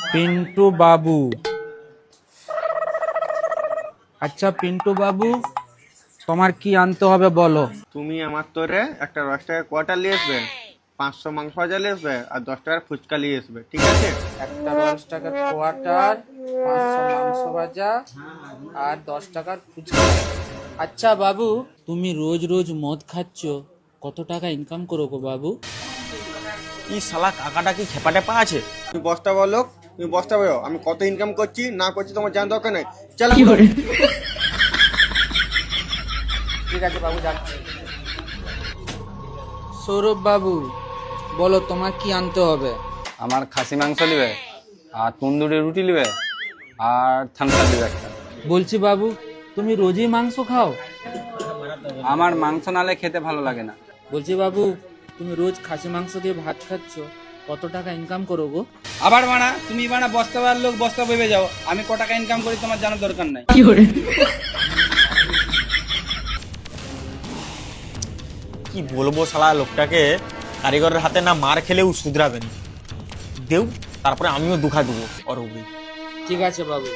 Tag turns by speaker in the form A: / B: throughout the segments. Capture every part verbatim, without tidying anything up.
A: পিন্টু বাবু। আচ্ছা পিন্টু বাবু, তোমার কি আনতে হবে বলো।
B: তুমি আমার তোরে একটা দশ টাকার কোয়ার্টার নিয়ে আসবে, পাঁচশো মাংস ভাজা নিয়ে আসবে, আর দশ টাকার ফুচকা নিয়ে আসবে, ঠিক আছে?
A: একটা দশ টাকার কোয়ার্টার, পাঁচশো মাংস ভাজা আর দশ টাকার ফুচকা। আচ্ছা বাবু, তুমি রোজ রোজ মদ খাচ্ছ, কত টাকা ইনকাম করো গো বাবু?
C: এই শালা কাকাটা কি খেপা টেপা আছে?
B: তুমি বস্তা বলো, তুমি বস্তা বলো, আমি কত ইনকাম করছি না করছি তোমার জানার দরকার নেই। চল
A: ঠিক আছে বাবু, যাচ্ছি। সৌরভ বাবু, বলো তোমার কি আনতে হবে?
D: আমার খাসি মাংস নিবে, আর তন্দুরি রুটি নিবে, আর থামসা নিবে একটা।
A: বলছি বাবু, তুমি রোজই মাংস খাও?
D: আমার মাংস নালে খেতে ভালো লাগে না।
A: বলছি বাবু, তুমি রোজ খাসি মাংস দিয়ে ভাত খাচ্ছ, কত টাকা ইনকাম করো গো?
D: আবার বানা, তুমি বানা বস্তাবার লোক, বস্তা ভেবে যাও। আমি ক টাকা ইনকাম করি তোমার জানার দরকার নাই।
C: কি বলবো শালা লোকটাকে, কারিগরের হাতে না মার খেলেও শুধরাবেন। দেও, তারপরে আমিও দুখা দেবো ওর উপরে।
A: ঠিক আছে বাবু।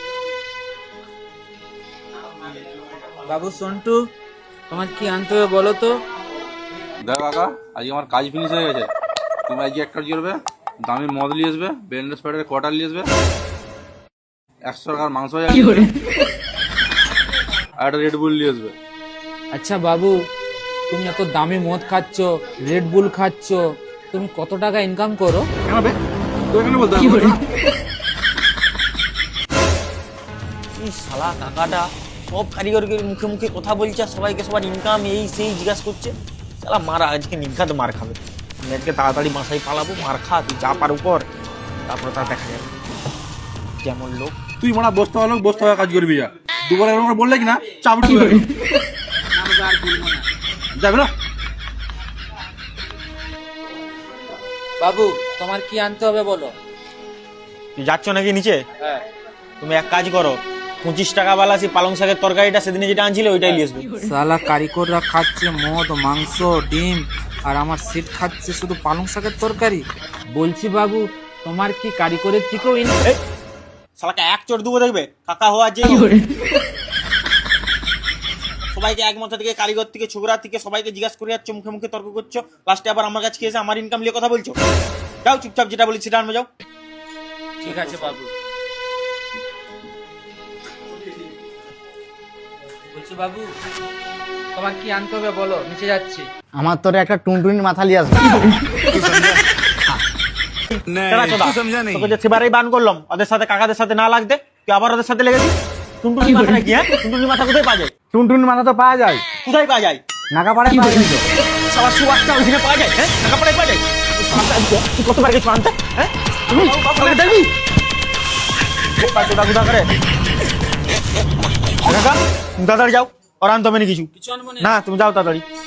A: বাবু সন্টু, তোমার কি আনতে হবে বলো তো?
E: দেখো কাকা, আজকে আমার কাজ ফিনিশ হয়ে গেছে। তুমি আজকে এক কাজ করবে, দামি মদ নিয়ে আসবে, ব্যান্ডেজ প্যাডের কোয়ার্টার নিয়ে আসবে, একশো টাকার মাংস আর একটা রেড বুল নিয়ে আসবে।
A: আচ্ছা বাবু, তুমি এত দামি মদ খাচ্ছ, রেড বুল খাচ্ছ, তুমি কত টাকা ইনকাম করো?
E: কেন বে? তো এখানে বলতে হবে না?
C: এই শালা কাকাটা সব কারিগরকে মুখে মুখে কথা বলছে, আর সবাইকে সবার ইনকাম এই সেই জিজ্ঞাসা করছে। শালা মারা আজকে নিঘাত মার খাবে। আমি আজকে তাড়াতাড়ি বাসায় পালাবো, মার খা তুই যা পার উপর, তারপরে তার দেখা যাবে কেমন লোক।
E: তুই মানা বস্তা হলো, বস্তা হয়ে কাজ করবি যা। দুবার এরকম করে বললে কি না চাপড়ি যাবে না।
A: বাবু, তোমার কি আনতে হবে বলো?
C: তুই যাচ্ছ নাকি নিচে?
A: হ্যাঁ।
C: তুমি এক কাজ করো, পঁচিশ টাকা বালা সেই পালং শাকের তরকারিটা সেদিনে যেটা আনছিলে ওইটাই নিয়ে আসবে।
A: সালা কারিগররা খাচ্ছে মদ, মাংস, ডিম, আর আমার সিট খাচ্ছে শুধু পালং শাকের তরকারি। বলছি বাবু, তোমার কি কারিগরের থেকেও ইন-
C: এই, শালাকে এক চোট দেবো দেখবে কাকা হওয়া যে। সবাইকে এক মাথা থেকে, কারিগর থেকে, ছোকরা থেকে সবাইকে জিজ্ঞাসা করে যাচ্ছ, মুখে মুখে তর্ক করছো, লাস্টে আবার আমার কাছে এসে আমার ইনকাম নিয়ে কথা বলছো। যাও চুপচাপ যেটা বলি সেটা আনবে যাও।
A: ঠিক আছে বাবু। বলছি বাবু, তোমার কি আনতে হবে বলো, নিচে যাচ্ছি।
F: আমার তোরে একটা টুনটুনির মাথা লিয়ে আসবে।
C: কেডা চোদা? তোকে যে সেবারেই বান করলাম ওদের সাথে, কাকাদের সাথে না লাগতে, তুই আবার ওদের সাথে লেগেছিস। টুনটুনি মাথা নাকি? হ্যাঁ, টুনটুনি মাথা কোথায় পাওয়া যায়?
F: টুনটুনির মাথা তো পাওয়া যায়,
C: কোথায় পাওয়া যায়?
F: নাগাপাড়ায় পাওয়া যায় তো।
C: সবার সুবাসটা ওইখানে পাওয়া যায়। হ্যাঁ, নাগাপাড়ায় পাওয়া যায়। তুই শালাটা আজকে- তুই কতবার গেছিস আনতে? হ্যাঁ, তুমি বাবাকে দেখবি বোকা চোদা গুদা করে। কাকা তুমি তাড়াতাড়ি যাও, ওর আনতে হবে না কিছু।
A: কিছু আনবো না।
C: না তুমি যাও তাড়াতাড়ি।